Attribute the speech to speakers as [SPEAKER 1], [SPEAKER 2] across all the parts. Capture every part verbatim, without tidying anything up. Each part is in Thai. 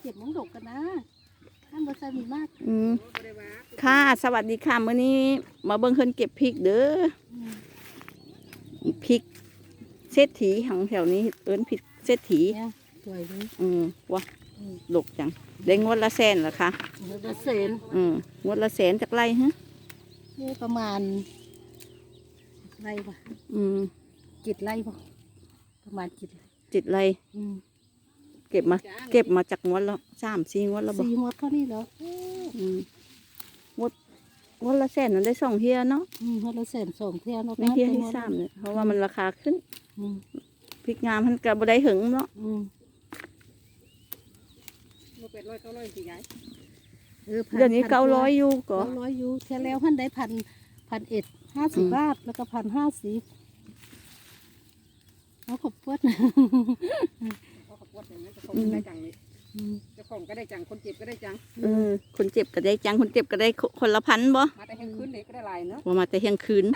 [SPEAKER 1] ก็บน้ำดกกันนะท่านบริษัทมีมาก
[SPEAKER 2] อืมค่ะสวัสดีค่ะมื้อนี้มาเบิ่งเพิ่นเก็บพริกเด้อพริกเศรษฐีของแถวนี้เอิ้นพริกเศรษฐี
[SPEAKER 1] สวยเลย
[SPEAKER 2] อืมว่ะดกจังได้งวดละแสนเหรอคะ
[SPEAKER 1] งวดละแสน
[SPEAKER 2] อืมงวดละแสนจากไรฮะ
[SPEAKER 1] นี่ประมาณไรป่ะ
[SPEAKER 2] อืม
[SPEAKER 1] จิตไรป่ะประมาณจิต
[SPEAKER 2] จิตไร
[SPEAKER 1] อืม
[SPEAKER 2] เก็บมาเก็บมาจากงวดแล้วสามสี่งวดแล้วบ่
[SPEAKER 1] สี่งวดเท่านี้เหรอ
[SPEAKER 2] อืมงวดงวดละแสนนั้นได้สองเที่ยเนาะ
[SPEAKER 1] อืมงวดละแสนสองเที่ยเนาะ
[SPEAKER 2] ไม่เที่ยที่สามเลยเพราะว่ามันราคาขึ้นอืมพริกงามมันก็บ่ได้หึงเนาะ
[SPEAKER 1] อืม
[SPEAKER 3] เป็ดร้อยเก้าร้อยสี่ไง
[SPEAKER 2] เดี๋ยวนี้เก้าร้อยอยู่ก็
[SPEAKER 1] เก้าร้อยอยู่เท่าแล้วท่านได้พันพันเอ็ดห้าสิบบาทแล้วก็พันห้าสิบเอาขบปวด
[SPEAKER 3] เขาขบวดอย่างนี้จะของได้จังนี่จะของก็ได้จังคนเจ็บก็ได้จัง
[SPEAKER 2] เออคนเจ็บก็ได้จังคนเจ็บก็ได้คนละพันบ่
[SPEAKER 3] มาแต่เที่ยงคืนเด็กก็ได้หลายเนาะ
[SPEAKER 2] ว่ามาแต่เที่ยงคืน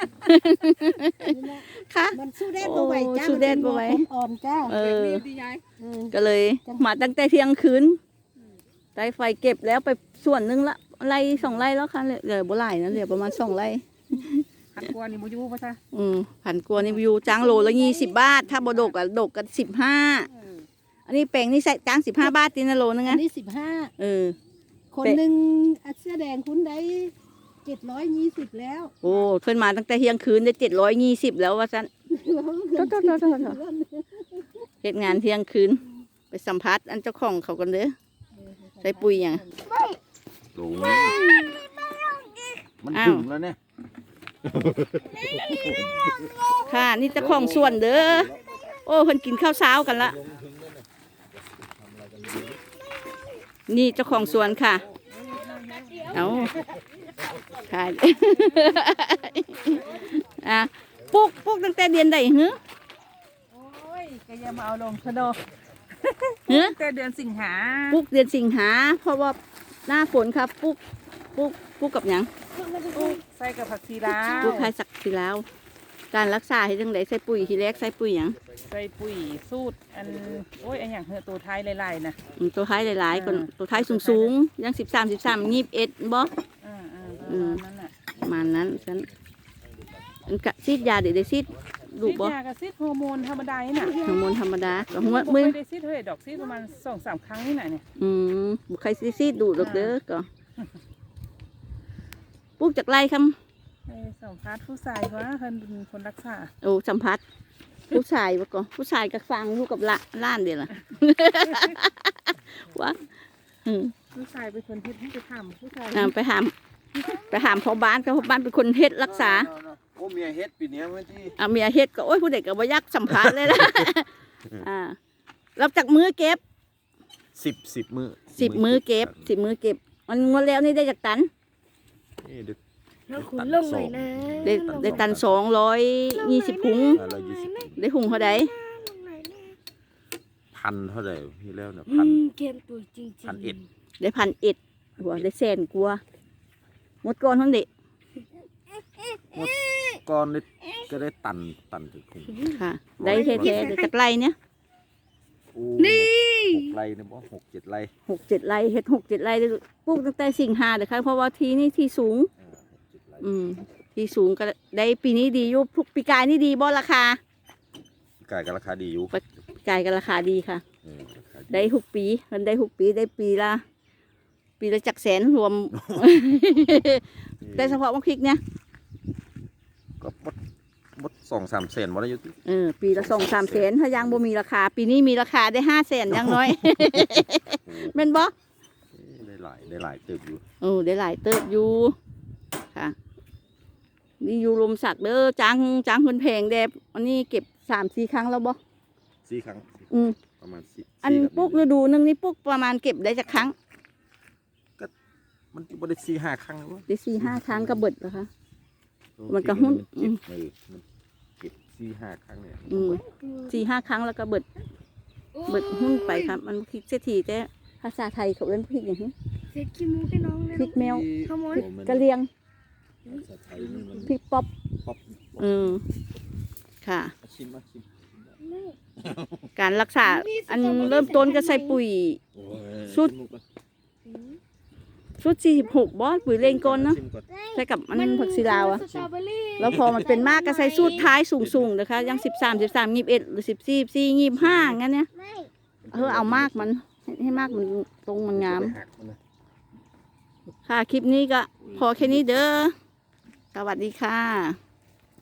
[SPEAKER 2] ค่ะ
[SPEAKER 1] มันสู้แดดบ่ไหวจ้า
[SPEAKER 2] สู้แดดบ่ไหว
[SPEAKER 1] อ่อนจ้า
[SPEAKER 2] เออ
[SPEAKER 3] ดียาย
[SPEAKER 2] ก็เลยมาตั้งแต่เที่ยงคืนได้ไฟเก็บแล้วไปส่วนนึงละไร่สองไร่แล้วค่ะเหลือบ่หลายนะเหลือประมาณสองไร่
[SPEAKER 3] พันกว่านี่มูยูป่ะจ๊ะ
[SPEAKER 2] อืมพันกว่านี่อยู่จ้างโลละยี่สิบบาทถ้าบ่ดกอ่ะดกกันสิบห้าอันนี้แปลงนี่ใส่จ้างสิบห้าบาทตีนะโลนึง
[SPEAKER 1] อันนี้สิบห้า
[SPEAKER 2] เออ
[SPEAKER 1] คนหนึ่งเสื้อแดงคุณได้เจ็ดร้อยยี่สิบแล้ว
[SPEAKER 2] โอ้เพิ่นมาตั้งแต่เที่ยงคืนได้เจ็ดร้อยยี่สิบแล้วว่าซั่นเฮ็ดงานเที่ยงคืนไปสัมภาษณ์อันเจ้าของเขากันเด้อใส่ปุ๋ยอย่าง
[SPEAKER 4] โอ้มันถึงแล้วเนี่ย
[SPEAKER 2] ค่ะนี่เจ้าของส่วนเด้อโอ้เพิ่นกินข้าวเช้ากันละนี่เจ้าของสวนค่ะเอาค่ะอ่ะปุ๊กปุ๊กตั้งแต่เดือนใดเหรอ
[SPEAKER 3] โอ้ยก็ยังมาเอาลงชะโด
[SPEAKER 2] เหรอ
[SPEAKER 3] แต่เดือนสิงหา
[SPEAKER 2] ปุ๊กเดือนสิงหาเพราะว่าหน้าฝนครับปุ๊กปุ๊กปุ๊กกับหยัง
[SPEAKER 3] ใส่กับผักชีลาว
[SPEAKER 2] ปุ๊กใครสักทีแล้วการรักษาให้จังไดใส่ปุ๋ยทีแรกใส่ปุ๋ยหยัง
[SPEAKER 3] ใส่ปุ๋ยสูตรอันโอ้ยอันอย่างเหอะตัวไทยหลายๆนะ
[SPEAKER 2] ตัวท้ายหลายๆคนตัวท้ายสูงๆยังสิบสามสิบสามยี่สิบเอ็ดบ่
[SPEAKER 3] อ่าอ่าประมาณนั้นแหละ
[SPEAKER 2] ประมาณนั้นฉันอันกะซีดยาเดี๋ยวได้ซีดดูบ่
[SPEAKER 3] ซีดยากับซีดฮอร์โมนธรรมดานี่น่ะ
[SPEAKER 2] ฮอร์โมนธรรมดา
[SPEAKER 3] หัวมือได้ซีดเท่าไหร่ดอกซีดประมาณสองสามครั้งนี่น่ะเนี่ย
[SPEAKER 2] อืมบุใครซีซีดดูดอกเด้อก็ปลูกจากไรคำ
[SPEAKER 3] สัมภาษณ์ผู้ชายว่าเพิ่นเป็นคนรักษา
[SPEAKER 2] โอ้สัมผัสผู้ชายบ่ก็ผู้ชายกับฟังลูกกับละล้านเดียวล่ะวะ
[SPEAKER 3] ผู้ชายเป็นคนเฮ็ดให้ไปทำผู้ชาย
[SPEAKER 2] ไปหามไปหามพ่อบ้านก็พ่อบ้านเป็นคนเฮ็ดรักษา
[SPEAKER 4] โอ้เมียเฮ็ดปีนี้เมื่อที่
[SPEAKER 2] อ่าเมียเฮ็ดก็โอ้ยผู้เด็กก็บ่ยักสัมภาษณ์เลยนะอ่ารับจากมือเก็บ
[SPEAKER 4] สิบสิบมือ
[SPEAKER 2] สิบมือเก็บสิบมือเก็บมันงวดแล้วนี่ได้จากตัน
[SPEAKER 4] นี่เด็ก
[SPEAKER 1] ขุนลงหน่อยนะ
[SPEAKER 2] ได้ได้ตันสองร้อยยี่สิบถุงได้หุงเท่าใด
[SPEAKER 4] พันเท่าไหร่พี่แล้วเนี่ยพัน
[SPEAKER 1] เกมตัวจริง
[SPEAKER 4] พันเอ็ด
[SPEAKER 2] ได้พันเอ็ดหัวได้แสนกลัวหมดก้อนทั้งเด็ก
[SPEAKER 4] หมดก้อนนี่ก็ได้ตันตันถึงคุ้ม
[SPEAKER 2] ค่ะได้แท้ๆเดี๋ยวจากไรเนี่ย
[SPEAKER 4] นี่หกไรเนี่ยบ่หกเจ็ดไร
[SPEAKER 2] หกเจ็ดไรเฮ็ดหกเจ็ดไรได้ปลูกตั้งแต่สิงหาเด้อค่ะเพราะว่าทีนี่ที่สูงอืมที่สูงก็ได้ปีนี้ดีอยู่พวกปีกายนี่ดีบ่ราคา
[SPEAKER 4] ปีกายก็ราคาดีอยู่
[SPEAKER 2] ปีกายก็ราคาดีค่ะได้หกปีมันได้หกปีได้ปีละปีละจักแสนรวมแต่เฉพาะมะพริกเนี่ย
[SPEAKER 4] ก็บดบดสองสามแสนวันละยุติ
[SPEAKER 2] เออปีละสองสามแสนถ้ายังบ่มีราคาปีนี้มีราคาได้ห้าแสนยังน้อยแม่นบ่
[SPEAKER 4] ได้หลายได้หลายเติบอยู่
[SPEAKER 2] เออได้หลายเติบอยู่ค่ะนี่อยู่ลมสักเด้อจ้างจ้างคนแพงแดบอันนี้เก็บสามสี่ครั้งแล้วบ่
[SPEAKER 4] สี่ครั้ง
[SPEAKER 2] อืม
[SPEAKER 4] ประมาณสี่
[SPEAKER 2] อันปุ๊กฤดูนึงนี่ปุ๊กประมาณเก็บได้จากครั้ง
[SPEAKER 4] ก็มันบ่ได้สี่ห้าครั้งหรือว่า
[SPEAKER 2] ได้สี่ห้าครั้งก็เบิดเหรอคะมันก็หุ้น
[SPEAKER 4] เก็บสี่ห้าครั้งเนี่ย
[SPEAKER 2] สี่ห้าครั้งแล้วก็เบิดเบิดหุ้นไปครับมันพริกเศรษฐีแต่ภาษาไทยเขาเรียกพริกอย่างนี้
[SPEAKER 1] พริกขี้มูกให้น้องเลย
[SPEAKER 2] พริกแมวพริกกะเลียงพริกป๊อปอืมค่ะ
[SPEAKER 4] ชิมมาชิม
[SPEAKER 2] การรักษาอันเริ่มต้นก็ใส่ปุ๋ย
[SPEAKER 4] โอ้ย
[SPEAKER 2] สุด ชุดสี่สิบหกบอสปุ๋ยเลงก้นเนาะ
[SPEAKER 4] ชิมก่อน
[SPEAKER 2] ใส่กับมันผักซีลาวอะ
[SPEAKER 1] สตรอเบอรี่
[SPEAKER 2] แล้วพอมันเป็นมากก็ใส่สูตรท้ายสูงๆนะคะยังสิบสามสิบสามยี่สิบเอ็ดหรือสิบสี่สี่ยี่สิบห้างั้นเนี่ยเออเอามากมันให้ให้มากมันตรงมันงาม
[SPEAKER 4] หักมันนะ
[SPEAKER 2] ค่ะคลิปนี้ก็พอแค่นี้เด้อสวัสดีค่ะ